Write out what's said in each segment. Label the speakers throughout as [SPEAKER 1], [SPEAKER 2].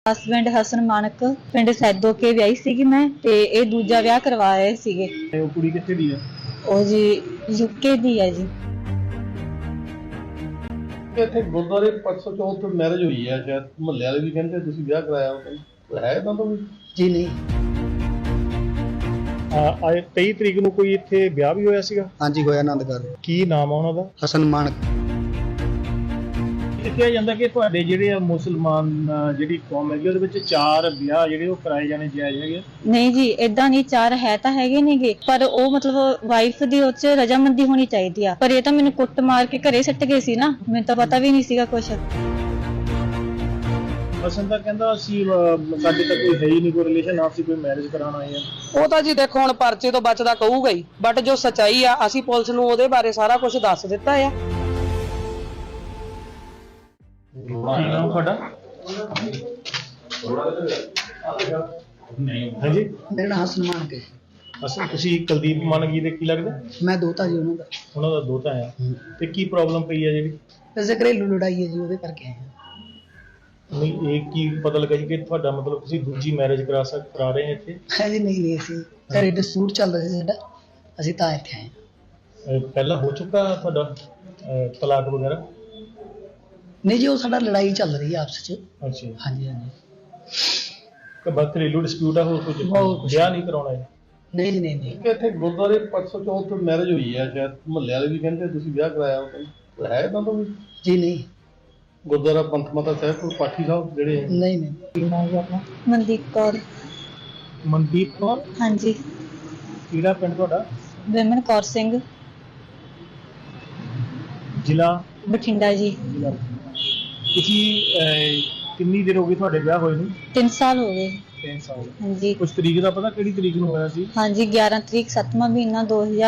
[SPEAKER 1] Husband Hasan ਮਾਨਕ ਪਿੰਡ ਸੈਦੋ ਕੇ ਵਿਆਹੀ ਸੀਗੀ ਮੈਂ ਤੇ ਇਹ ਦੂਜਾ ਵਿਆਹ ਕਰਵਾ ਰਹੇ ਸੀਗੇ।
[SPEAKER 2] ਉਹ ਕੁੜੀ ਕਿੱਥੇ ਦੀ ਆ?
[SPEAKER 1] ਉਹ ਜੀ ਯੂਕੇ ਦੀ ਹੈ ਜੀ।
[SPEAKER 3] ਇੱਥੇ ਗੁਰਦੁਆਰੇ 504 ਮੈਰਿਜ ਹੋਈ ਹੈ, ਸ਼ਾਇਦ ਮੁਹੱਲੇ ਵਾਲੇ ਵੀ ਕਹਿੰਦੇ ਤੁਸੀਂ ਵਿਆਹ ਕਰਾਇਆ ਹੈ ਤਾਂ ਵੀ
[SPEAKER 4] ਜੀ ਨਹੀਂ।
[SPEAKER 2] ਆਏ 23 ਤਰੀਕ ਨੂੰ ਕੋਈ ਇੱਥੇ ਵਿਆਹ ਵੀ ਹੋਇਆ ਸੀਗਾ?
[SPEAKER 4] ਹਾਂਜੀ ਹੋਇਆ ਆਨੰਦਗੜ੍ਹ।
[SPEAKER 2] ਕੀ ਨਾਮ ਆ ਉਹਨਾਂ ਦਾ?
[SPEAKER 4] ਹਸਨ ਮਾਨਕ।
[SPEAKER 2] ਇਹ ਕਿਹਾ ਜਾਂਦਾ ਕਿ ਤੁਹਾਡੇ ਜਿਹੜੇ ਆ ਮੁਸਲਮਾਨ ਜਿਹੜੀ ਕੌਮ ਹੈਗੀ ਉਹਦੇ ਵਿੱਚ 4 ਵਿਆਹ ਜਿਹੜੇ ਉਹ ਕਰਾਏ ਜਾਣੇ ਜਾਇਜ਼ ਹੈਗੇ?
[SPEAKER 1] ਨਹੀਂ ਜੀ, ਇਦਾਂ ਨਹੀਂ, 4 ਹੈ ਤਾਂ ਹੈਗੇ ਨੇਗੇ, ਪਰ ਉਹ ਮਤਲਬ ਵਾਈਫ ਦੀ ਉਹ 'ਚ ਰਜਾਮੰਦੀ ਹੋਣੀ ਚਾਹੀਦੀ ਆ। ਪਰ ਇਹ ਤਾਂ ਮੈਨੂੰ ਕੁੱਟ ਮਾਰ ਕੇ ਘਰੇ ਸੱਟ ਗਏ ਸੀ ਨਾ, ਮੈਨੂੰ ਤਾਂ ਪਤਾ ਵੀ ਨਹੀਂ ਸੀਗਾ ਕੁਛ।
[SPEAKER 2] ਹਸਨ ਤਾਂ ਕਹਿੰਦਾ ਅਸੀਂ ਸਾਡੇ ਤਾਂ ਕੋਈ ਹੈ ਹੀ ਨਹੀਂ, ਕੋਈ ਰਿਲੇਸ਼ਨ, ਆਪਸੀ ਕੋਈ ਮੈਰਿਜ ਕਰਾਉਣ ਆਏ ਆ।
[SPEAKER 5] ਉਹ ਤਾਂ ਜੀ ਦੇਖੋ ਹੁਣ ਪਰਚੇ ਤੋਂ ਬਚਦਾ ਕਹੂਗਾ ਹੀ, ਬਟ ਜੋ ਸੱਚਾਈ ਆ ਅਸੀਂ ਪੁਲਿਸ ਨੂੰ ਉਹਦੇ ਬਾਰੇ ਸਾਰਾ ਕੁਝ ਦੱਸ ਦਿੱਤਾ ਆ।
[SPEAKER 2] ਕੀ ਨਾਮ ਤੁਹਾਡਾ? ਹਾਂਜੀ,
[SPEAKER 4] ਮੇਰਾ ਨਾਮ ਹਸਨ ਮਾਨਕ ਹੈ।
[SPEAKER 2] ਅਸਲ ਤੁਸੀਂ ਕੁਲਦੀਪ ਮਾਨਗੀ ਦੇ ਕੀ ਲੱਗਦਾ?
[SPEAKER 4] ਮੈਂ ਦੋਤਾ ਜੀ ਉਹਨਾਂ ਦਾ।
[SPEAKER 2] ਉਹਨਾਂ ਦਾ ਦੋਤਾ ਆ। ਤੇ ਕੀ ਪ੍ਰੋਬਲਮ ਪਈ ਆ ਜਿਹੜੀ?
[SPEAKER 4] ਵੈਸੇ ਘਰੇਲੂ ਲੜਾਈ ਹੈ ਜੀ, ਉਹਦੇ ਕਰਕੇ ਆਏ ਹਾਂ।
[SPEAKER 2] ਨਹੀਂ, ਇਹ ਕੀ ਪਤਾ ਲੱਗਾ ਜੀ ਕਿ ਤੁਹਾਡਾ ਮਤਲਬ ਤੁਸੀਂ ਦੂਜੀ ਮੈਰਿਜ ਕਰਾ ਰਹੇ ਇੱਥੇ?
[SPEAKER 4] ਹੈ ਜੀ ਨਹੀਂ ਅਸੀਂ ਘਰੇ ਡਿਸਪਿਊਟ ਚੱਲ ਰਿਹਾ ਸੀ ਸਾਡਾ, ਅਸੀਂ ਤਾਂ ਇੱਥੇ ਆਏ ਹਾਂ।
[SPEAKER 2] ਪਹਿਲਾਂ ਹੋ ਚੁੱਕਾ ਤੁਹਾਡਾ ਤਲਾਕ ਵਗੈਰਾ?
[SPEAKER 4] ਨਹੀਂ ਜੀ, ਉਹ ਸਾਡਾ ਲੜਾਈ ਚੱਲ ਰਹੀ ਹੈ ਆਪਸ ਵਿੱਚ।
[SPEAKER 2] ਅੱਛਾ,
[SPEAKER 4] ਹਾਂਜੀ ਹਾਂਜੀ।
[SPEAKER 2] ਤੇ ਬਸ ਘਰੇਲੂ ਡਿਸਪਿਊਟ ਆ, ਹੋਰ ਕੁਝ ਵਿਆਹ ਨਹੀਂ ਕਰਾਉਣਾ ਹੈ?
[SPEAKER 4] ਨਹੀਂ ਜੀ ਨਹੀਂ ਨਹੀਂ।
[SPEAKER 3] ਇੱਥੇ ਗੁਰਦੁਆਰੇ 504 ਮੈਰਿਜ ਹੋਈ ਹੈ, ਸ਼ਾਇਦ ਮੁਹੱਲੇ ਵਾਲੇ ਵੀ ਕਹਿੰਦੇ ਤੁਸੀਂ ਵਿਆਹ ਕਰਾਇਆ ਹੈ ਤਾਂ ਵੀ
[SPEAKER 4] ਜੀ ਨਹੀਂ।
[SPEAKER 3] ਗੁਰਦੁਆਰਾ ਪੰਥ ਮਾਤਾ ਸਾਹਿਬ ਕੋਲ ਪਾਠੀ ਸਾਹਿਬ ਜਿਹੜੇ
[SPEAKER 4] ਨਹੀਂ ਨਹੀਂ। ਕੀ ਨਾਮ ਹੈ ਆਪਣਾ?
[SPEAKER 1] ਮਨਦੀਪ ਕੌਰ।
[SPEAKER 2] ਮਨਦੀਪ ਕੌਰ?
[SPEAKER 1] ਹਾਂਜੀ।
[SPEAKER 2] ਕਿਹੜਾ ਪਿੰਡ ਤੁਹਾਡਾ?
[SPEAKER 1] ਵਿਮਨ ਕੌਰ ਸਿੰਘ,
[SPEAKER 2] ਜ਼ਿਲ੍ਹਾ?
[SPEAKER 1] ਬਠਿੰਡਾ ਜੀ।
[SPEAKER 2] ਤੁਸੀਂ ਕਿੰਨੀ ਦੇਰ ਹੋ ਗਈ ਤੁਹਾਡੇ ਵਿਆਹ ਹੋਏ ਨੂੰ?
[SPEAKER 1] 3 ਸਾਲ ਹੋ ਗਏ।
[SPEAKER 2] 3 ਸਾਲ।
[SPEAKER 1] ਹਾਂਜੀ
[SPEAKER 2] ਕੁਝ ਤਰੀਕ ਦਾ ਪਤਾ ਕਿਹੜੀ ਤਰੀਕ ਨੂੰ ਹੋਇਆ ਸੀ?
[SPEAKER 1] ਹਾਂਜੀ, 11 ਤਰੀਕ 7ਵਾਂ ਮਹੀਨਾ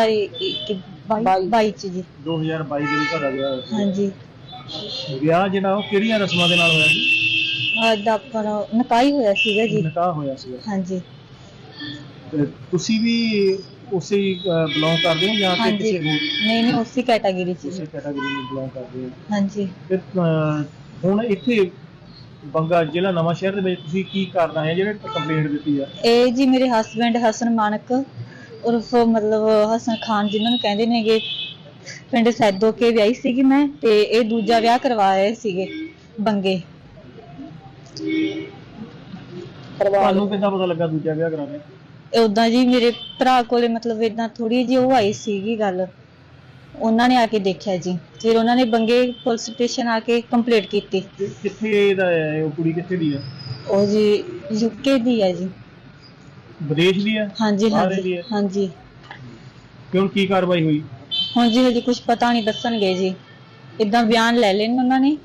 [SPEAKER 1] 2022 ਚ ਜੀ।
[SPEAKER 2] 2022 ਦੇ ਵਿੱਚ ਤੁਹਾਡਾ ਵਿਆਹ ਹੋਇਆ ਸੀ।
[SPEAKER 1] ਹਾਂਜੀ।
[SPEAKER 2] ਵਿਆਹ ਜਿਹੜਾ ਉਹ ਕਿਹੜੀਆਂ ਰਸਮਾਂ ਦੇ ਨਾਲ ਹੋਇਆ ਸੀ?
[SPEAKER 1] ਦਾ ਆਪਣਾ ਨਿਕਾਹ ਹੀ ਹੋਇਆ ਸੀਗਾ ਜੀ।
[SPEAKER 2] ਨਿਕਾਹ ਹੋਇਆ ਸੀ।
[SPEAKER 1] ਹਾਂਜੀ।
[SPEAKER 2] ਤੇ ਤੁਸੀਂ ਵੀ ਉਸੇ ਬਿਲੋਂਗ ਕਰਦੇ ਹੋ ਜਾਂ ਫਿਰ
[SPEAKER 1] ਹਾਂਜੀ,
[SPEAKER 2] ਕਿਸੇ ਹੋਰ
[SPEAKER 1] ਨਹੀਂ ਉਸੇ ਕੈਟਾਗਰੀ ਚ
[SPEAKER 2] ਉਸੇ
[SPEAKER 1] ਜੀ।
[SPEAKER 2] ਕੈਟਾਗਰੀ ਨੂੰ ਬਿਲੋਂਗ ਕਰਦੇ ਹੋ?
[SPEAKER 1] ਹਾਂਜੀ।
[SPEAKER 2] ਤੇ ਹੁਣ ਇੱਥੇ ਬੰਗਾ ਜ਼ਿਲ੍ਹਾ ਨਵਾਂ ਸ਼ਹਿਰ ਦੇ ਵਿੱਚ ਤੁਸੀਂ ਕੀ ਕਰਨਾ ਹੈ ਜਿਹੜੇ ਕੰਪਲੇਂਟ ਦਿੱਤੀ ਆ?
[SPEAKER 1] ਇਹ ਜੀ ਮੇਰੇ ਹਸਬੈਂਡ ਹਸਨ ਮਾਨਕ ਉਰਫ ਮਤਲਬ ਹਸਨ ਖਾਨ ਜਿਹਨਾਂ ਨੂੰ ਕਹਿੰਦੇ ਨੇਗੇ, ਪਿੰਡ ਸੈਦੋ ਕੇ ਵਿਆਹੀ ਸੀਗੀ ਮੈਂ ਤੇ ਇਹ ਦੂਜਾ ਵਿਆਹ ਕਰਵਾ ਰਹੇ ਸੀਗੇ ਬੰਗੇ।
[SPEAKER 2] ਤੁਹਾਨੂੰ ਕਿੱਦਾਂ ਪਤਾ ਲੱਗਾ ਦੂਜਾ ਵਿਆਹ ਕਰਾਉਣਾ?
[SPEAKER 1] ਉਦਾਂ ਜੀ ਮੇਰੇ ਭਰਾ ਕੋਲੇ ਮਤਲਬ ਇਦਾਂ ਥੋੜੀ ਜਿਹੀ ਉਹ ਆਈ ਸੀਗੀ ਗੱਲ, ਉਹਨਾਂ ਨੇ ਆ ਕੇ ਦੇਖਿਆ ਜੀ, ਫਿਰ ਉਹਨਾਂ ਨੇ ਬੰਗੇ ਪੁਲਿਸ ਸਟੇਸ਼ਨ ਆ ਕੇ ਕੰਪਲੇਂਟ ਕੀਤੀ।
[SPEAKER 2] ਕਿੱਥੇ ਦਾ ਹੈ ਉਹ ਕੁੜੀ? ਕਿੱਥੇ ਦੀ ਆ?
[SPEAKER 1] ਉਹ ਜੀ ਯੂਕੇ ਦੀ ਹੈ ਜੀ।
[SPEAKER 2] ਵਿਦੇਸ਼ ਦੀ ਆ?
[SPEAKER 1] ਹਾਂਜੀ
[SPEAKER 2] ਬਾਹਰ ਦੀ
[SPEAKER 1] ਹਾਂਜੀ
[SPEAKER 2] ਹੈ?
[SPEAKER 1] ਹਾਂਜੀ।
[SPEAKER 2] ਕਿਉਂ, ਕੀ ਕਾਰਵਾਈ ਹੋਈ?
[SPEAKER 1] ਹੁਣ ਜੀ ਹਜੇ ਕੁਝ ਪਤਾ ਨਹੀਂ, ਦੱਸਣਗੇ ਜੀ, ਇਦਾਂ ਬਿਆਨ ਲੈ ਲੈਣ ਉਹਨਾਂ ਨੇ।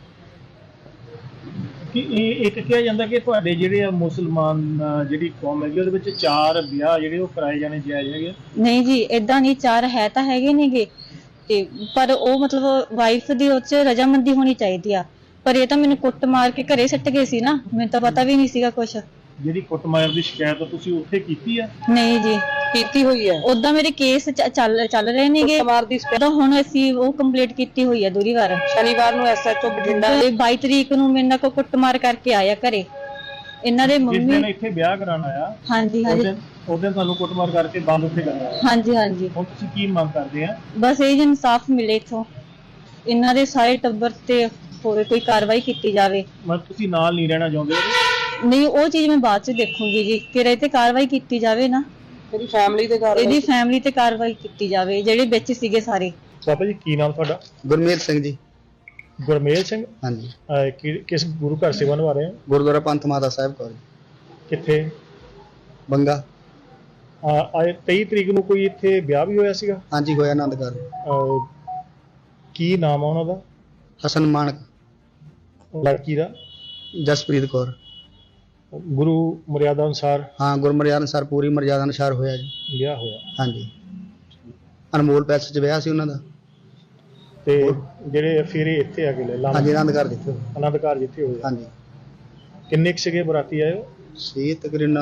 [SPEAKER 2] ਕਿ ਇਹ ਇੱਕ ਕਿਹਾ ਜਾਂਦਾ ਕਿ ਤੁਹਾਡੇ ਜਿਹੜੇ ਆ ਮੁਸਲਮਾਨ ਜਿਹੜੀ ਕੌਮ ਹੈਗੀ ਉਹਦੇ ਵਿੱਚ 4 ਵਿਆਹ ਜਿਹੜੇ ਉਹ ਕਰਾਏ ਜਾਣੇ ਜਾਇਜ਼ ਹੈਗੇ?
[SPEAKER 1] ਨਹੀਂ ਜੀ, ਇਦਾਂ ਨਹੀਂ, 4 ਹੈ ਤਾਂ ਹੈਗੇ ਨੇਗੇ, ਤੇ ਪਰ ਉਹ ਮਤਲਬ ਵਾਈਫ ਦੀ ਉਹ 'ਚ ਰਜਾਮੰਦੀ ਹੋਣੀ ਚਾਹੀਦੀ ਆ। ਪਰ ਇਹ ਤਾਂ ਮੈਨੂੰ ਕੁੱਟ ਮਾਰ ਕੇ ਘਰੇ ਸੱਟ ਗਏ ਸੀ ਨਾ, ਮੈਨੂੰ ਤਾਂ ਪਤਾ ਵੀ ਨਹੀਂ ਸੀਗਾ ਕੁਛ।
[SPEAKER 2] ਜਿਹੜੀ ਕੁੱਟਮਾਰ ਦੀ ਸ਼ਿਕਾਇਤ ਤੁਸੀਂ ਉੱਥੇ ਕੀਤੀ ਆ?
[SPEAKER 1] ਨਹੀਂ ਜੀ,
[SPEAKER 5] ਕੀਤੀ ਹੋਈ ਹੈ।
[SPEAKER 1] ਉਦਾਂ ਮੇਰੇ ਕੇਸ ਚੱਲ ਰਹੇ ਨੇਗੇ,
[SPEAKER 5] ਕੁੱਟਮਾਰ ਦੀ
[SPEAKER 1] ਤਾਂ ਹੁਣ ਅਸੀਂ ਉਹ ਕੰਪਲੀਟ ਕੀਤੀ ਹੋਈ ਆ ਦੂਰੀ ਵਾਰ।
[SPEAKER 5] ਸ਼ਨੀਵਾਰ ਨੂੰ ਐਸਐਚਓ ਬਠਿੰਡਾ
[SPEAKER 1] ਤੇ 22 ਤਰੀਕ ਨੂੰ ਮੇਰੇ ਨਾਲ ਕੋ ਕੁੱਟਮਾਰ ਕਰਕੇ ਆਇਆ ਘਰੇ ਇਹਨਾਂ ਦੇ
[SPEAKER 2] ਜਿਸ
[SPEAKER 1] ਮੰਮੀ।
[SPEAKER 2] ਦਿਨ ਇੱਥੇ ਵਿਆਹ ਕਰਾਉਣ ਆਇਆ
[SPEAKER 1] ਹਾਂਜੀ
[SPEAKER 2] ਉਸ
[SPEAKER 1] ਹਾਂਜੀ
[SPEAKER 2] ਦਿਨ ਤੁਹਾਨੂੰ ਕੁੱਟਮਾਰ ਕਰਕੇ ਬੰਦ ਉੱਥੇ ਕਰਨਾ?
[SPEAKER 1] ਹਾਂਜੀ ਹਾਂਜੀ।
[SPEAKER 2] ਹੁਣ ਤੁਸੀਂ ਕੀ ਮੰਗ ਕਰਦੇ ਆ?
[SPEAKER 1] ਬਸ ਇਹ ਜੀ ਇਨਸਾਫ ਮਿਲੇ ਇਥੋਂ, ਇਹਨਾਂ ਦੇ ਸਾਰੇ ਟੱਬਰ ਤੇ ਹੋਰ ਕੋਈ ਕਾਰਵਾਈ ਕੀਤੀ ਜਾਵੇ।
[SPEAKER 2] ਮਤਲਬ ਤੁਸੀਂ ਨਾਲ ਨਹੀਂ ਰਹਿਣਾ ਚਾਹੁੰਦੇ?
[SPEAKER 1] ਨਹੀਂ, ਉਹ ਚੀਜ਼ ਮੈਂ ਬਾਅਦ ਚ ਦੇਖੂੰਗੀ ਜੀ, ਕਿ ਇਹ ਤੇ ਕਾਰਵਾਈ ਕੀਤੀ ਜਾਵੇ ਨਾ,
[SPEAKER 5] ਇਹਦੀ ਫੈਮਿਲੀ ਦੇ ਘਰ।
[SPEAKER 1] ਇਹਦੀ ਫੈਮਿਲੀ ਤੇ ਕਾਰਵਾਈ ਕੀਤੀ ਜਾਵੇ, ਜਿਹੜੇ ਵਿੱਚ ਸੀਗੇ ਸਾਰੇ।
[SPEAKER 2] ਬਾਬਾ ਜੀ ਕੀ ਨਾਮ ਤੁਹਾਡਾ?
[SPEAKER 4] ਗੁਰਮੇਲ ਸਿੰਘ ਜੀ।
[SPEAKER 2] ਗੁਰਮੇਲ ਸਿੰਘ।
[SPEAKER 4] ਹਾਂਜੀ।
[SPEAKER 2] ਕਿਸ ਗੁਰੂ ਘਰ ਸੇਵਾ ਨਿਭਾ ਰਹੇ ਹੋ?
[SPEAKER 4] ਗੁਰਦੁਆਰਾ ਪੰਥ ਮਾਤਾ ਸਾਹਿਬ ਕੋਲ।
[SPEAKER 2] ਕਿੱਥੇ?
[SPEAKER 4] ਬੰਗਾ।
[SPEAKER 2] ਆਏ 23 ਤਰੀਕ ਨੂੰ ਕੋਈ ਇੱਥੇ ਵਿਆਹ ਵੀ ਹੋਇਆ ਸੀਗਾ?
[SPEAKER 4] ਹਾਂਜੀ ਹੋਇਆ ਆਨੰਦਗੜ੍ਹ।
[SPEAKER 2] ਕੀ ਨਾਮ ਆ ਉਹਨਾਂ ਦਾ?
[SPEAKER 4] ਹਸਨ ਮਾਨਕ।
[SPEAKER 2] ਲੜਕੀ ਦਾ?
[SPEAKER 4] ਜਸਪ੍ਰੀਤ ਕੌਰ।
[SPEAKER 2] ਗੁਰੂ ਮਰਿਆਦਾ ਅਨੁਸਾਰ?
[SPEAKER 4] ਹਾਂ, ਗੁਰਮਰਿਆਦਾ ਅਨੁਸਾਰ, ਪੂਰੀ ਮਰਿਆਦਾ ਅਨੁਸਾਰ ਹੋਇਆ ਜੀ
[SPEAKER 2] ਵਿਆਹ ਹੋਇਆ।
[SPEAKER 4] ਹਾਂਜੀ। ਅਨਮੋਲ ਪੈਲਸ 'ਚ ਵਿਆਹ ਸੀ ਉਹਨਾਂ ਦਾ।
[SPEAKER 2] ਤੇ ਜਿਹੜੇ ਫਿਰ ਇੱਥੇ ਆ ਗਏ
[SPEAKER 4] ਹਾਂਜੀ, ਆਨੰਦਗੜ੍ਹ ਜਿੱਥੇ।
[SPEAKER 2] ਆਨੰਦ ਘਰ ਜਿੱਥੇ ਹੋਇਆ?
[SPEAKER 4] ਹਾਂਜੀ।
[SPEAKER 2] ਕਿੰਨੇ ਸੀਗੇ ਬਰਾਤੀ ਆਏ?
[SPEAKER 4] ਸੀ ਤਕਰੀਬਨ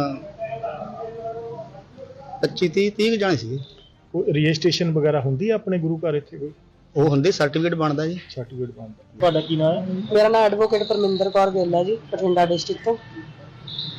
[SPEAKER 4] 25-30 ਜਾਣੇ ਸੀਗੇ।
[SPEAKER 2] ਕੋਈ ਰਜਿਸਟ੍ਰੇਸ਼ਨ ਵਗੈਰਾ ਹੁੰਦੀ ਆ ਆਪਣੇ ਗੁਰੂ ਘਰ ਇੱਥੇ? ਕੋਈ
[SPEAKER 4] ਉਹ ਹੁੰਦੇ ਸਰਟੀਫਿਕੇਟ ਬਣਦਾ ਜੀ।
[SPEAKER 2] ਸਰਟੀਫਿਕੇਟ ਬਣਦਾ। ਤੁਹਾਡਾ ਕੀ ਨਾਮ ਹੈ?
[SPEAKER 5] ਮੇਰਾ ਨਾਮ ਐਡਵੋਕੇਟ ਪਰਮਿੰਦਰ ਕੌਰ ਗਿੱਲ ਹੈ ਜੀ, ਬਠਿੰਡਾ ਡਿਸਟ੍ਰਿਕਟ ਤੋਂ।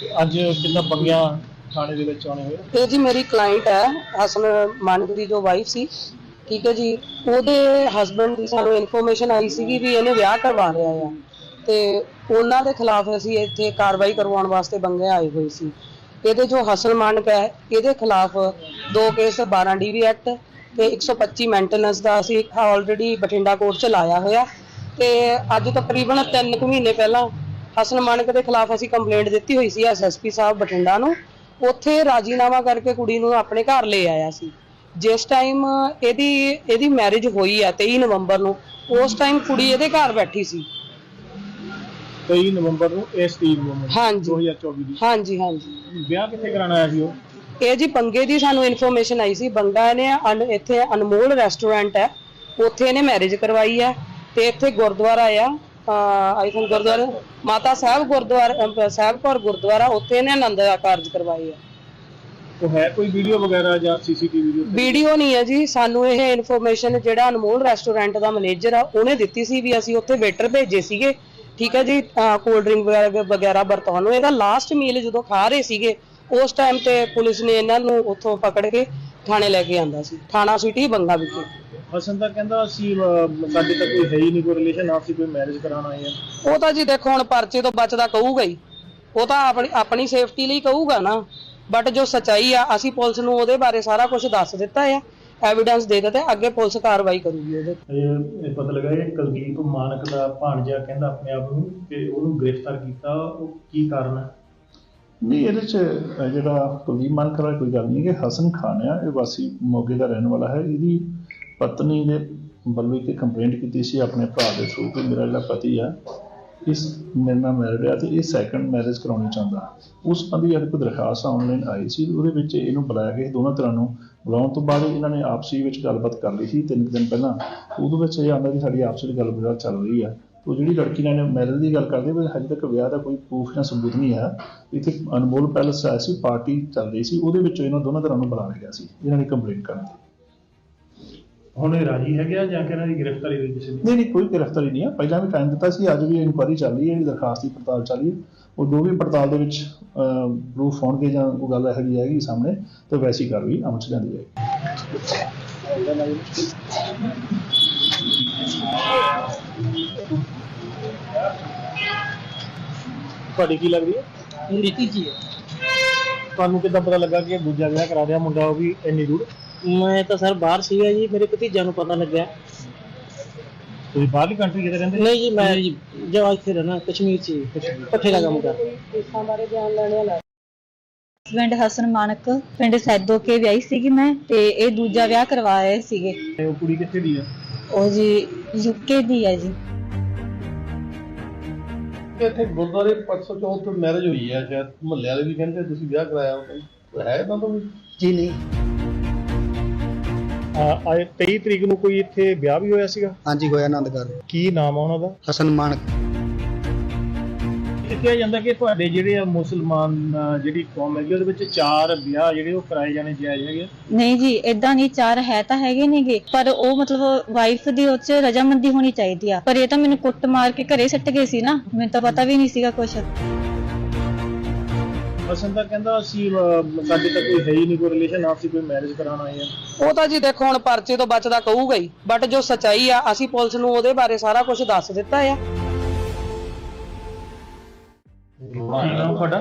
[SPEAKER 2] ਅੱਜ ਕਿੰਨਾ ਬੰਗਿਆ ਥਾਣੇ ਦੇ ਵਿੱਚ ਆਉਣੇ ਹੋਏ?
[SPEAKER 5] ਇਹ ਜੀ ਮੇਰੀ ਕਲਾਇੰਟ ਹੈ ਹਸਨ ਮਾਨਕ ਦੀ ਜੋ ਵਾਈਫ ਸੀ, ਠੀਕ ਹੈ ਜੀ। ਉਹਦੇ ਹਸਬੰਡ ਦੀ ਸਾਨੂੰ ਇਨਫੋਰਮੇਸ਼ਨ ਆਈ ਸੀਗੀ ਵੀ ਇਹਨੇ ਵਿਆਹ ਕਰਵਾ ਲਿਆ ਆ, ਤੇ ਉਹਨਾਂ ਦੇ ਖਿਲਾਫ ਅਸੀਂ ਇੱਥੇ ਕਾਰਵਾਈ ਕਰਵਾਉਣ ਵਾਸਤੇ ਬੰਗੇ ਆਏ ਹੋਏ ਸੀ। ਇਹਦੇ ਜੋ ਹਸਨ ਮਾਨਕ ਹੈ ਇਹਦੇ ਖਿਲਾਫ 2 ਕੇਸ 12 DV ਐਕਟ ਤੇ 125 ਮੇਨਟੇਨੈਂਸ ਦਾ ਅਸੀਂ ਆਲਰੇਡੀ ਬਠਿੰਡਾ ਕੋਰਟ ਚ ਲਾਇਆ ਹੋਇਆ। ਤੇ ਅੱਜ ਤਕਰੀਬਨ 3 ਕੁ ਮਹੀਨੇ ਪਹਿਲਾਂ ਹਸਨ ਮਾਨਕ ਦੇ ਖਿਲਾਫ ਅਸੀਂ ਕੰਪਲੇਂਟ ਦਿੱਤੀ ਹੋਈ ਸੀ SSP ਸਾਹਿਬ ਬਠਿੰਡਾ ਨੂੰ। ਉੱਥੇ ਰਾਜੀਨਾਮਾ ਕਰਕੇ ਕੁੜੀ ਨੂੰ ਆਪਣੇ ਘਰ ਲੈ ਆਇਆ ਸੀ। ਜਿਸ ਟਾਈਮ ਇਹਦੀ ਮੈਰਿਜ ਹੋਈ ਹੈ 23 ਨਵੰਬਰ ਨੂੰ, ਉਸ ਟਾਈਮ ਕੁੜੀ ਇਹਦੇ ਘਰ ਬੈਠੀ ਸੀ।
[SPEAKER 2] 23 ਨਵੰਬਰ ਨੂੰ ਇਸ ਤਰੀਕ ਨੂੰ
[SPEAKER 5] ਹਾਂਜੀ
[SPEAKER 2] 2024 ਦੀ।
[SPEAKER 5] ਹਾਂਜੀ ਹਾਂਜੀ।
[SPEAKER 2] ਵਿਆਹ ਕਿੱਥੇ ਕਰਾਉਣਾ ਆਇਆ ਸੀ ਉਹ?
[SPEAKER 5] ਇਹ ਜੀ ਬੰਗੇ ਦੀ ਸਾਨੂੰ ਇਨਫੋਰਮੇਸ਼ਨ ਆਈ ਸੀ। ਬੰਗਾ ਇਹਨੇ ਇੱਥੇ ਅਨਮੋਲ ਰੈਸਟੋਰੈਂਟ ਹੈ, ਉੱਥੇ ਇਹਨੇ ਮੈਰਿਜ ਕਰਵਾਈ ਹੈ। ਤੇ ਇੱਥੇ ਗੁਰਦੁਆਰਾ ਆ ਆਈ ਥਿੰਕ ਗੁਰਦੁਆਰਾ ਮਾਤਾ ਸਾਹਿਬ ਗੁਰਦੁਆਰਾ ਸਾਹਿਬ ਕੌਰ ਗੁਰਦੁਆਰਾ, ਉੱਥੇ ਇਹਨੇ ਆਨੰਦ ਦਾ ਕਾਰਜ ਕਰਵਾਏ ਆ।
[SPEAKER 2] ਉਹ ਹੈ ਕੋਈ ਵੀਡੀਓ ਵਗੈਰਾ ਜਾਂ CCTV
[SPEAKER 5] ਵੀਡੀਓ ਨਹੀਂ ਹੈ ਜੀ। ਸਾਨੂੰ ਇਹ ਇਨਫੋਰਮੇਸ਼ਨ ਜਿਹੜਾ ਅਨਮੋਲ ਰੈਸਟੋਰੈਂਟ ਦਾ ਮੈਨੇਜਰ ਆ ਉਹਨੇ ਦਿੱਤੀ ਸੀ ਵੀ ਅਸੀਂ ਉੱਥੇ ਵੇਟਰ ਭੇਜੇ ਸੀਗੇ, ਠੀਕ ਹੈ ਜੀ, ਕੋਲਡ ਡਰਿੰਕ ਵਗੈਰਾ ਵਰਤਾਉਣ ਨੂੰ। ਇਹਦਾ ਲਾਸਟ ਮੀਲ ਜਦੋਂ ਖਾ ਰਹੇ ਸੀਗੇ ਉਸ ਟਾਈਮ ਤੇ ਪੁਲਿਸ ਨੇ ਇਹਨਾਂ ਨੂੰ ਉੱਥੋਂ ਪਕੜ ਕੇ ਥਾਣੇ ਲੈ ਕੇ ਆਂਦਾ ਸੀ, ਥਾਣਾ ਸਿਟੀ ਬੰਗਾ ਵਿਖੇ।
[SPEAKER 2] ਹਸਨ ਤਾਂ ਕਹਿੰਦਾ ਅਸੀਂ ਸਾਡੇ ਤਾਂ ਕੋਈ ਹੈ ਹੀ ਨਹੀਂ ਕੋਈ ਰਿਲੇਸ਼ਨ, ਆਪਸੀ ਕੋਈ ਮੈਰਿਜ ਕਰਾਉਣ ਆਏ ਆ।
[SPEAKER 5] ਉਹ ਤਾਂ ਜੀ ਦੇਖੋ ਹੁਣ ਪਰਚੇ ਤੋਂ ਬਚਦਾ ਕਹੂਗਾ ਹੀ, ਉਹ ਤਾਂ ਆਪਣੀ ਸੇਫਟੀ ਲਈ ਕਹੂਗਾ ਨਾ। ਬਟ ਜੋ ਸਚਾਈ ਆ ਅਸੀਂ ਪੁਲਿਸ ਨੂੰ ਉਹਦੇ ਬਾਰੇ ਸਾਰਾ ਕੁਝ ਦੱਸ ਦਿੱਤਾ ਆ, ਐਵੀਡੈਂਸ ਦੇ ਦਿੱਤੇ, ਅੱਗੇ ਪੁਲਿਸ ਕਾਰਵਾਈ ਕਰੂਗੀ ਉਹਦੇ।
[SPEAKER 2] ਇਹ ਪਤਾ ਲੱਗਾ ਇਹ ਕੁਲਦੀਪ ਮਾਨਕ ਦਾ ਭਾਣਜਾ ਕਹਿੰਦਾ ਆਪਣੇ ਆਪ ਨੂੰ ਕਿ ਉਹਨੂੰ ਗ੍ਰਿਫਤਾਰ ਕੀਤਾ, ਉਹ ਕੀ ਕਾਰਨ ਹੈ?
[SPEAKER 6] ਨਹੀਂ, ਇਹਦੇ 'ਚ ਜਿਹੜਾ ਕੁਲਦੀਪ ਮਾਨਕ ਵਾਲਾ ਕੋਈ ਗੱਲ ਨਹੀਂ ਕਿ ਹਸਨ ਖਾਨ ਆ, ਇਹ ਵਾਸੀ ਮੋਗੇ ਦਾ ਰਹਿਣ ਵਾਲਾ ਹੈ। ਇਹਦੀ ਪਤਨੀ ਦੇ ਵੱਲੋਂ ਇੱਕ ਕੰਪਲੇਂਟ ਕੀਤੀ ਸੀ ਆਪਣੇ ਭਰਾ ਦੇ ਥਰੂ ਕਿ ਮੇਰਾ ਜਿਹੜਾ ਪਤੀ ਆ ਇਸ ਮੇਰੇ ਨਾਲ ਮੈਰਿਡ ਆ ਤੇ ਇਹ ਸੈਕੰਡ ਮੈਰਿਜ ਕਰਾਉਣੀ ਚਾਹੁੰਦਾ। ਉਸ ਸੰਬੰਧੀ ਇੱਕ ਦਰਖਾਸਤ ਆਨਲਾਈਨ ਆਈ ਸੀ, ਉਹਦੇ ਵਿੱਚ ਇਹਨੂੰ ਬੁਲਾਇਆ ਗਿਆ। ਦੋਨਾਂ ਤਰ੍ਹਾਂ ਨੂੰ ਬੁਲਾਉਣ ਤੋਂ ਬਾਅਦ ਇਹਨਾਂ ਨੇ ਆਪਸੀ ਵਿੱਚ ਗੱਲਬਾਤ ਕਰ ਲਈ ਸੀ 3 ਦਿਨ ਪਹਿਲਾਂ। ਉਹਦੇ ਵਿੱਚ ਇਹ ਆਉਂਦਾ ਕਿ ਸਾਡੀ ਆਪਸ ਵਿੱਚ ਗੱਲਬਾਤ ਚੱਲ ਰਹੀ ਆ। ਉਹ ਜਿਹੜੀ ਲੜਕੀ ਨਾਲ ਮੈਰਿਜ ਦੀ ਗੱਲ ਕਰਦੇ ਪਰ ਹਜੇ ਤੱਕ ਵਿਆਹ ਦਾ ਕੋਈ ਪ੍ਰੂਫ ਜਾਂ ਸਬੂਤ ਨਹੀਂ ਆਇਆ। ਇੱਥੇ ਅਨਮੋਲ ਪੈਲਸ ਆਇਆ ਸੀ, ਪਾਰਟੀ ਚੱਲ ਰਹੀ ਸੀ, ਉਹਦੇ ਵਿੱਚ ਇਹਨਾਂ ਦੋਨਾਂ ਤਰ੍ਹਾਂ ਨੂੰ ਬੁਲਾ ਲਿਆ ਸੀ ਇਹਨਾਂ ਨੇ ਕੰਪਲੇਂਟ ਕਰਨ ਦੀ।
[SPEAKER 2] ਹੁਣ ਇਹ ਰਾਜੀ ਹੈਗੇ ਆ ਜਾਂ ਕਿ ਇਹਨਾਂ ਦੀ ਗ੍ਰਿਫਤਾਰੀ ਹੋਈ ਕਿਸੇ ਦੀ?
[SPEAKER 6] ਨਹੀਂ, ਕੋਈ ਗ੍ਰਿਫਤਾਰੀ ਨਹੀਂ ਆ। ਪਹਿਲਾਂ ਵੀ ਟਾਈਮ ਦਿੱਤਾ ਸੀ, ਅੱਜ ਵੀ ਇਨਕੁਆਇਰੀ ਚੱਲ ਰਹੀ ਹੈ, ਇਹਦੀ ਦਰਖਾਸਤ ਦੀ ਪੜਤਾਲ ਚੱਲ ਰਹੀ ਹੈ। ਉਹ ਜੋ ਵੀ ਪੜਤਾਲ ਦੇ ਵਿੱਚ ਪ੍ਰੂਫ ਹੋਣਗੇ ਜਾਂ ਉਹ ਗੱਲ ਇਹੋ ਜਿਹੀ ਆਏਗੀ ਸਾਹਮਣੇ ਤਾਂ ਵੈਸੀ ਕਾਰਵਾਈ ਅਮਲ 'ਚ ਲਿਆਂਦੀ ਜਾਏਗੀ।
[SPEAKER 2] ਤੁਹਾਡੀ ਕੀ ਲੱਗਦੀ ਹੈ?
[SPEAKER 4] ਰੀਤੀ ਜੀ ਹੈ।
[SPEAKER 2] ਤੁਹਾਨੂੰ ਕਿੱਦਾਂ ਪਤਾ ਲੱਗਾ ਕਿ ਦੂਜਾ ਵਿਆਹ ਕਰਾ ਰਿਹਾ ਮੁੰਡਾ ਉਹ ਵੀ ਇੰਨੀ ਦੂਰ?
[SPEAKER 4] ਮੈਂ ਤਾਂ ਸਰ ਬਾਹਰ ਸੀਗਾ ਜੀ, ਮੇਰੇ ਭਤੀਜਾ ਨੂੰ ਪਤਾ ਲੱਗਿਆ।
[SPEAKER 2] ਤੁਸੀਂ ਬਾਹਰਲੀ ਕੰਟਰੀ ਕਿਤੇ ਰਹਿੰਦੇ?
[SPEAKER 4] ਨਹੀਂ ਜੀ, ਮੈਂ ਜੀ ਜੋ ਇੱਥੇ ਰਹਿਣਾ ਕਸ਼ਮੀਰ 'ਚ ਪੱਠੇ ਦਾ ਕੰਮ ਕਰਦਾ।
[SPEAKER 5] ਕੇਸਾਂ ਬਾਰੇ ਬਿਆਨ ਲੈਣੇ ਵਾਲਾ
[SPEAKER 1] ਹਸਬੈਂਡ ਹਸਨ ਮਾਨਕ ਪਿੰਡ ਸੈਦੋ ਕੇ ਵਿਆਹੀ ਸੀਗੀ ਮੈਂ, ਤੇ ਇਹ ਦੂਜਾ ਵਿਆਹ ਕਰਵਾਏ ਸੀਗੇ।
[SPEAKER 2] ਤੇ ਉਹ ਕੁੜੀ ਕਿੱਥੇ ਦੀ ਆ?
[SPEAKER 1] ਉਹ ਜੀ UK ਦੀ ਹੈ ਜੀ।
[SPEAKER 3] ਇੱਥੇ ਗੁਰਦੁਆਰੇ 504 ਤੋਂ ਮੈਰਿਜ ਹੋਈ ਹੈ, ਸ਼ਾਇਦ ਮੁਹੱਲੇ ਵਾਲੇ ਵੀ ਕਹਿੰਦੇ ਤੁਸੀਂ ਵਿਆਹ ਕਰਾਇਆ ਉਹ ਹੈ ਤਾਂ ਵੀ?
[SPEAKER 4] ਜੀ ਨਹੀਂ।
[SPEAKER 2] ਆਏ 23 ਤਰੀਕ ਨੂੰ ਕੋਈ ਇੱਥੇ ਵਿਆਹ ਵੀ ਹੋਇਆ ਸੀਗਾ?
[SPEAKER 4] ਹਾਂਜੀ ਹੋਇਆ ਆਨੰਦਗੜ੍ਹ।
[SPEAKER 2] ਕੀ ਨਾਮ ਆ ਉਹਨਾਂ ਦਾ?
[SPEAKER 4] ਹਸਨ ਮਾਨਕ।
[SPEAKER 2] ਇਹ ਕਿਹਾ ਜਾਂਦਾ ਕਿ ਤੁਹਾਡੇ ਜਿਹੜੇ ਆ ਮੁਸਲਮਾਨ ਜਿਹੜੀ ਕੌਮ ਹੈਗੀ ਉਹਦੇ ਵਿੱਚ 4 ਵਿਆਹ ਜਿਹੜੇ ਉਹ ਕਰਾਏ ਜਾਣੇ ਜਾਇਜ਼ ਹੈਗੇ?
[SPEAKER 1] ਨਹੀਂ ਜੀ, ਇਦਾਂ ਨਹੀਂ, 4 ਹੈ ਤਾਂ ਹੈਗੇ ਨੇਗੇ, ਪਰ ਉਹ ਮਤਲਬ ਵਾਈਫ ਦੀ ਉਹ 'ਚ ਰਜਾਮੰਦੀ ਹੋਣੀ ਚਾਹੀਦੀ ਆ। ਪਰ ਇਹ ਤਾਂ ਮੈਨੂੰ ਕੁੱਟ ਮਾਰ ਕੇ ਘਰੇ ਸੱਟ ਗਏ ਸੀ ਨਾ, ਮੈਨੂੰ ਤਾਂ ਪਤਾ ਵੀ ਨਹੀਂ ਸੀਗਾ ਕੁਛ।
[SPEAKER 2] ਹਸਨ ਤਾਂ ਕਹਿੰਦਾ ਅਸੀਂ ਸਾਡੇ ਤਾਂ ਕੋਈ ਹੈ ਹੀ ਨਹੀਂ ਕੋਈ ਰਿਲੇਸ਼ਨ, ਆਪਸੀ ਕੋਈ ਮੈਰਿਜ ਕਰਾਉਣ ਆਏ ਆ।
[SPEAKER 5] ਉਹ ਤਾਂ ਜੀ ਦੇਖੋ ਹੁਣ ਪਰਚੇ ਤੋਂ ਬਚਦਾ ਕਹੂਗਾ ਹੀ, ਬਟ ਜੋ ਸਚਾਈ ਆ ਅਸੀਂ ਪੁਲਿਸ ਨੂੰ ਉਹਦੇ ਬਾਰੇ ਸਾਰਾ ਕੁਝ ਦੱਸ ਦਿੱਤਾ ਆ।
[SPEAKER 2] ਕੀ ਨਾਮ ਤੁਹਾਡਾ?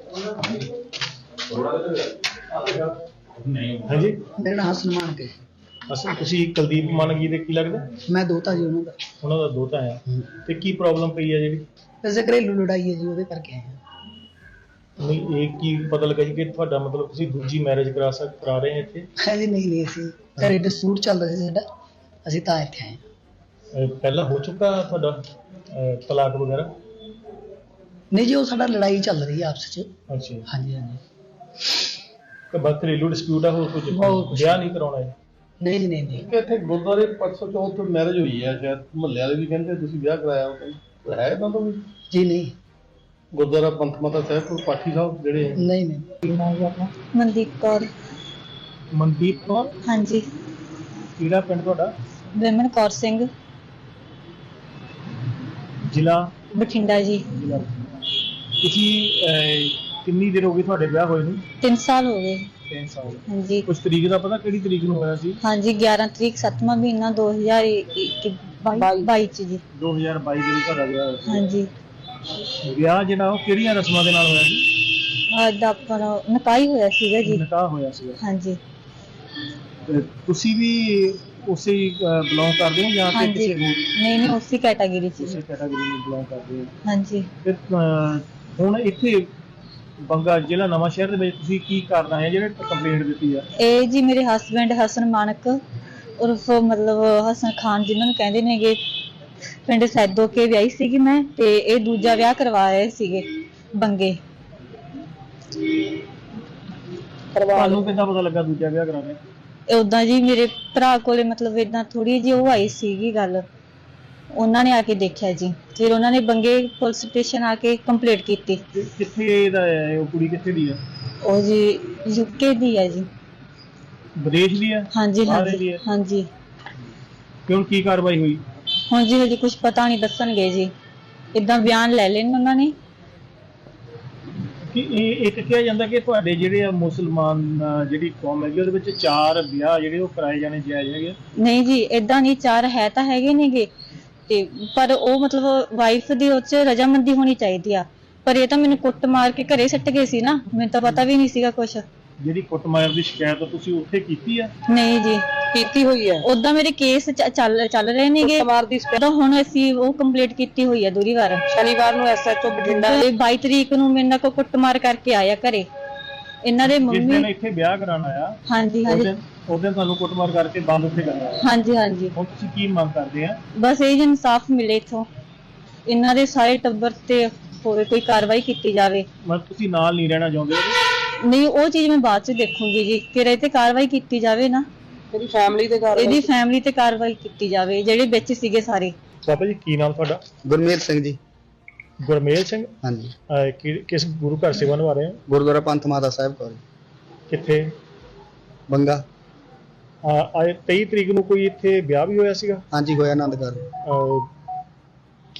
[SPEAKER 2] ਹਾਂਜੀ,
[SPEAKER 4] ਮੇਰਾ ਨਾਮ ਹਸਨ ਮਾਨਕ ਹੈ।
[SPEAKER 2] ਅਸਲ ਤੁਸੀਂ ਕੁਲਦੀਪ ਮਾਨਕ ਜੀ ਦੇ ਕੀ ਲੱਗਦਾ?
[SPEAKER 4] ਮੈਂ ਦੋਤਾ ਜੀ ਉਹਨਾਂ ਦਾ।
[SPEAKER 2] ਉਹਨਾਂ ਦਾ ਦੋਤਾ ਆ। ਤੇ ਕੀ ਪ੍ਰੋਬਲਮ ਪਈ ਆ ਜਿਹੜੀ?
[SPEAKER 4] ਵੈਸੇ ਘਰੇਲੂ ਲੜਾਈ ਹੈ ਜੀ, ਉਹਦੇ ਕਰਕੇ ਆਏ ਹਾਂ।
[SPEAKER 2] ਨਹੀਂ, ਇਹ ਕੀ ਪਤਾ ਲੱਗਾ ਜੀ ਕਿ ਤੁਹਾਡਾ ਮਤਲਬ ਤੁਸੀਂ ਦੂਜੀ ਮੈਰਿਜ ਕਰਾ ਰਹੇ ਹੋ ਇੱਥੇ?
[SPEAKER 4] ਜੀ ਨਹੀਂ, ਅਸੀਂ ਘਰੇ ਡਿਸਪਿਊਟ ਚੱਲ ਰਿਹਾ ਸੀ ਸਾਡਾ, ਅਸੀਂ ਤਾਂ ਇੱਥੇ ਆਏ ਹਾਂ।
[SPEAKER 2] ਪਹਿਲਾਂ ਹੋ ਚੁੱਕਾ ਤੁਹਾਡਾ ਤਲਾਕ ਵਗੈਰਾ?
[SPEAKER 4] ਨਹੀਂ ਜੀ, ਉਹ ਸਾਡਾ ਲੜਾਈ ਚੱਲ ਰਹੀ ਹੈ ਆਪਸ 'ਚ।
[SPEAKER 2] ਅੱਛਾ,
[SPEAKER 4] ਹਾਂਜੀ ਹਾਂਜੀ।
[SPEAKER 2] ਤੇ ਬਸ ਘਰੇਲੂ ਡਿਸਪਿਊਟ ਆ, ਹੋਰ ਕੁਝ ਵਿਆਹ ਨਹੀਂ ਕਰਾਉਣਾ ਹੈ?
[SPEAKER 4] ਨਹੀਂ ਜੀ ਨਹੀਂ।
[SPEAKER 3] ਇੱਥੇ ਗੁਰਦੁਆਰੇ 504 ਤੋਂ ਮੈਰਿਜ ਹੋਈ ਹੈ, ਸ਼ਾਇਦ ਮੁਹੱਲੇ ਵਾਲੇ ਵੀ ਕਹਿੰਦੇ ਤੁਸੀਂ ਵਿਆਹ ਕਰਾਇਆ ਉਹ ਹੈ ਤਾਂ ਵੀ?
[SPEAKER 4] ਜੀ ਨਹੀਂ।
[SPEAKER 3] ਗੁਰਦੁਆਰਾ ਪੰਥ ਮਾਤਾ ਸਾਹਿਬ ਕੋਲ ਪਾਠੀ ਸਾਹਿਬ ਜਿਹੜੇ
[SPEAKER 4] ਨਹੀਂ ਨਹੀਂ। ਕੀ ਨਾਮ ਹੈ ਆਪਣਾ?
[SPEAKER 1] ਮਨਦੀਪ ਕੌਰ।
[SPEAKER 2] ਮਨਦੀਪ ਕੌਰ?
[SPEAKER 1] ਹਾਂਜੀ।
[SPEAKER 2] ਕਿਹੜਾ ਪਿੰਡ ਤੁਹਾਡਾ?
[SPEAKER 1] ਵਿਮਨ ਕੌਰ ਸਿੰਘ,
[SPEAKER 2] ਜ਼ਿਲ੍ਹਾ?
[SPEAKER 1] ਬਠਿੰਡਾ ਜੀ।
[SPEAKER 2] ਤੁਸੀਂ ਕਿੰਨੀ ਦੇਰ ਹੋ ਗਈ ਤੁਹਾਡੇ ਵਿਆਹ ਹੋਏ ਨੂੰ?
[SPEAKER 1] 3 ਸਾਲ ਹੋ ਗਏ।
[SPEAKER 2] 3 ਸਾਲ।
[SPEAKER 1] ਹਾਂਜੀ
[SPEAKER 2] ਕੁਝ ਤਰੀਕ ਦਾ ਪਤਾ ਕਿਹੜੀ ਤਰੀਕ ਨੂੰ ਹੋਇਆ ਸੀ?
[SPEAKER 1] ਹਾਂਜੀ 11 ਤਰੀਕ 7ਵਾਂ ਮਹੀਨਾ 2022 ਚ ਜੀ।
[SPEAKER 2] 2022 ਦੇ ਵਿੱਚ ਤੁਹਾਡਾ ਵਿਆਹ ਹੋਇਆ ਸੀ।
[SPEAKER 1] ਹਾਂਜੀ
[SPEAKER 2] ਵਿਆਹ ਜਿਹੜਾ ਉਹ ਕਿਹੜੀਆਂ ਰਸਮਾਂ ਦੇ ਨਾਲ ਹੋਇਆ ਸੀ?
[SPEAKER 1] ਅੱਜ ਆਪਣਾ ਨਕਾਈ ਹੋਇਆ ਸੀਗਾ ਜੀ।
[SPEAKER 2] ਨਿਕਾਹ ਹੋਇਆ ਸੀ।
[SPEAKER 1] ਹਾਂਜੀ
[SPEAKER 2] ਤੇ ਤੁਸੀਂ ਵੀ ਉਸੇ ਬਿਲੋਂਗ ਕਰਦੇ ਹੋ ਜਾਂ ਫਿਰ
[SPEAKER 1] ਹਾਂਜੀ
[SPEAKER 2] ਕਿਸੇ ਹੋਰ
[SPEAKER 1] ਨਹੀਂ ਉਸੇ ਕੈਟਾਗਰੀ ਚ
[SPEAKER 2] ਉਸੇ
[SPEAKER 1] ਜੀ।
[SPEAKER 2] ਕੈਟਾਗਰੀ ਨੂੰ ਬਿਲੋਂਗ ਕਰਦੇ ਹੋ?
[SPEAKER 1] ਹਾਂਜੀ
[SPEAKER 2] ਤੇ ਹੁਣ ਇੱਥੇ ਬੰਗਾ ਜ਼ਿਲ੍ਹਾ ਨਵਾਂ ਸ਼ਹਿਰ ਦੇ ਵਿੱਚ ਤੁਸੀਂ ਕੀ ਕਰਨਾ ਹੈ ਜਿਹੜੇ ਕੰਪਲੇਂਟ ਦਿੱਤੀ ਆ?
[SPEAKER 1] ਇਹ ਜੀ ਮੇਰੇ ਹਸਬੈਂਡ ਹਸਨ ਮਾਨਕ ਉਰਫ ਮਤਲਬ ਹਸਨ ਖਾਨ ਜਿਨ੍ਹਾਂ ਨੂੰ ਕਹਿੰਦੇ ਨੇਗੇ, ਪਿੰਡ ਸੈਦੋ ਕੇ ਵਿਆਹੀ ਸੀਗੀ ਮੈਂ, ਤੇ ਇਹ ਦੂਜਾ ਵਿਆਹ ਕਰਵਾ ਰਹੇ ਸੀਗੇ ਬੰਗੇ।
[SPEAKER 2] ਤੁਹਾਨੂੰ ਕਿੱਦਾਂ ਪਤਾ ਲੱਗਾ ਦੂਜਾ ਵਿਆਹ ਕਰਾਉਣਾ?
[SPEAKER 1] ਉਦਾਂ ਜੀ ਮੇਰੇ ਭਰਾ ਕੋਲੇ ਮਤਲਬ ਇਦਾਂ ਥੋੜੀ ਜਿਹੀ ਉਹ ਆਈ ਸੀਗੀ ਗੱਲ, ਉਹਨਾਂ ਨੇ ਆ ਕੇ ਦੇਖਿਆ ਜੀ, ਫਿਰ ਉਹਨਾਂ ਨੇ ਬੰਗੇ ਪੁਲਿਸ ਸਟੇਸ਼ਨ ਆ ਕੇ ਕੰਪਲੇਂਟ ਕੀਤੀ।
[SPEAKER 2] ਕਿੱਥੇ ਦਾ ਹੈ ਉਹ ਕੁੜੀ, ਕਿੱਥੇ ਦੀ ਆ?
[SPEAKER 1] ਉਹ ਜੀ ਯੂਕੇ ਦੀ ਹੈ ਜੀ।
[SPEAKER 2] ਵਿਦੇਸ਼ ਦੀ ਆ?
[SPEAKER 1] ਹਾਂਜੀ
[SPEAKER 2] ਬਾਹਰ ਦੀ
[SPEAKER 1] ਹਾਂਜੀ
[SPEAKER 2] ਹੈ?
[SPEAKER 1] ਹਾਂਜੀ।
[SPEAKER 2] ਕਿਉਂ ਕੀ ਕਾਰਵਾਈ ਹੋਈ?
[SPEAKER 1] ਹੁਣ ਜੀ ਹਜੇ ਕੁਝ ਪਤਾ ਨਹੀਂ, ਦੱਸਣਗੇ ਜੀ, ਇਦਾਂ ਬਿਆਨ ਲੈ ਲੈਣ ਉਹਨਾਂ ਨੇ।
[SPEAKER 2] ਕਿ ਇਹ ਇੱਕ ਕਿਹਾ ਜਾਂਦਾ ਕਿ ਤੁਹਾਡੇ ਜਿਹੜੇ ਆ ਮੁਸਲਮਾਨ ਜਿਹੜੀ ਕੌਮ ਹੈਗੀ ਉਹਦੇ ਵਿੱਚ 4 ਵਿਆਹ ਜਿਹੜੇ ਉਹ ਕਰਾਏ ਜਾਣੇ ਜਾਇਜ਼ ਹੈਗੇ?
[SPEAKER 1] ਨਹੀਂ ਜੀ ਇਦਾਂ ਨਹੀਂ, 4 ਹੈ ਤਾਂ ਹੈਗੇ ਨੇਗੇ, ਤੇ ਪਰ ਉਹ ਮਤਲਬ ਵਾਈਫ ਦੀ ਉਹ 'ਚ ਰਜਾਮੰਦੀ ਹੋਣੀ ਚਾਹੀਦੀ ਆ। ਪਰ ਇਹ ਤਾਂ ਮੈਨੂੰ ਕੁੱਟ ਮਾਰ ਕੇ ਘਰੇ ਸੱਟ ਗਏ ਸੀ ਨਾ, ਮੈਨੂੰ ਤਾਂ ਪਤਾ ਵੀ ਨਹੀਂ ਸੀਗਾ ਕੁਛ।
[SPEAKER 2] ਜਿਹੜੀ ਕੁੱਟਮਾਰ ਦੀ ਸ਼ਿਕਾਇਤ ਤੁਸੀਂ ਉੱਥੇ ਕੀਤੀ ਆ?
[SPEAKER 1] ਨਹੀਂ ਜੀ
[SPEAKER 5] ਕੀਤੀ ਹੋਈ ਹੈ।
[SPEAKER 1] ਉਦਾਂ ਮੇਰੇ ਕੇਸ ਚੱਲ ਰਹੇ ਨੇਗੇ,
[SPEAKER 5] ਕੁੱਟਮਾਰ ਦੀ
[SPEAKER 1] ਤਾਂ ਹੁਣ ਅਸੀਂ ਉਹ ਕੰਪਲੀਟ ਕੀਤੀ ਹੋਈ ਹੈ ਦੂਰੀ ਵਾਰ।
[SPEAKER 5] ਸ਼ਨੀਵਾਰ ਨੂੰ ਐਸਐਚਓ ਬਠਿੰਡਾ
[SPEAKER 1] ਤੇ 22 ਤਰੀਕ ਨੂੰ ਮੇਰੇ ਨਾਲ ਕੋ ਕੁੱਟਮਾਰ ਕਰਕੇ ਆਇਆ ਘਰੇ ਇਹਨਾਂ ਦੇ
[SPEAKER 2] ਜਿਸ ਦਿਨ
[SPEAKER 1] ਮੰਮੀ।
[SPEAKER 2] ਇੱਥੇ ਵਿਆਹ ਕਰਾਉਣ ਆਇਆ
[SPEAKER 1] ਹਾਂਜੀ
[SPEAKER 2] ਉਸ
[SPEAKER 1] ਹਾਂਜੀ
[SPEAKER 2] ਦਿਨ ਤੁਹਾਨੂੰ ਕੁੱਟਮਾਰ ਕਰਕੇ ਬੰਦ ਉੱਥੇ ਕਰਨਾ?
[SPEAKER 1] ਹਾਂਜੀ ਹਾਂਜੀ।
[SPEAKER 2] ਹੁਣ ਤੁਸੀਂ ਕੀ ਮੰਗ ਕਰਦੇ ਆ?
[SPEAKER 1] ਬਸ ਇਹ ਜੀ ਇਨਸਾਫ ਮਿਲੇ ਇਥੋਂ, ਇਹਨਾਂ ਦੇ ਸਾਰੇ ਟੱਬਰ ਤੇ ਹੋਵੇ ਕੋਈ ਕਾਰਵਾਈ ਕੀਤੀ ਜਾਵੇ।
[SPEAKER 2] ਮਤਲਬ ਤੁਸੀਂ ਨਾਲ ਨਹੀਂ ਰਹਿਣਾ ਚਾਹੁੰਦੇ?
[SPEAKER 1] ਨਹੀਂ ਉਹ ਚੀਜ਼ ਮੈਂ ਬਾਅਦ ਚ ਦੇਖੂੰਗੀ ਜੀ, ਫਿਰ ਇਹ ਤੇ ਕਾਰਵਾਈ ਕੀਤੀ ਜਾਵੇ ਨਾ,
[SPEAKER 5] ਇਹਦੀ ਫੈਮਿਲੀ ਦੇ ਘਰ
[SPEAKER 1] ਇਹਦੀ ਫੈਮਿਲੀ ਤੇ ਕਾਰਵਾਈ ਕੀਤੀ ਜਾਵੇ, ਜਿਹੜੇ ਵਿੱਚ ਸੀਗੇ ਸਾਰੇ।
[SPEAKER 2] ਬਾਬਾ ਜੀ ਕੀ ਨਾਮ ਤੁਹਾਡਾ?
[SPEAKER 7] ਗੁਰਮੇਲ ਸਿੰਘ ਜੀ।
[SPEAKER 2] ਗੁਰਮੇਲ ਸਿੰਘ।
[SPEAKER 7] ਹਾਂਜੀ।
[SPEAKER 2] ਕਿਸ ਗੁਰੂ ਘਰ ਸੇਵਾ ਨਿਭਾ ਰਹੇ ਹੋ?
[SPEAKER 7] ਗੁਰਦੁਆਰਾ ਪੰਥ ਮਾਤਾ ਸਾਹਿਬ ਕੋਲ
[SPEAKER 2] ਕਿੱਥੇ?
[SPEAKER 7] ਬੰਗਾ।
[SPEAKER 2] ਅੱਜ 23 ਤਰੀਕ ਨੂੰ ਕੋਈ ਇੱਥੇ ਵਿਆਹ ਵੀ ਹੋਇਆ ਸੀਗਾ?
[SPEAKER 7] ਹਾਂਜੀ ਹੋਇਆ ਆਨੰਦ ਘਰ।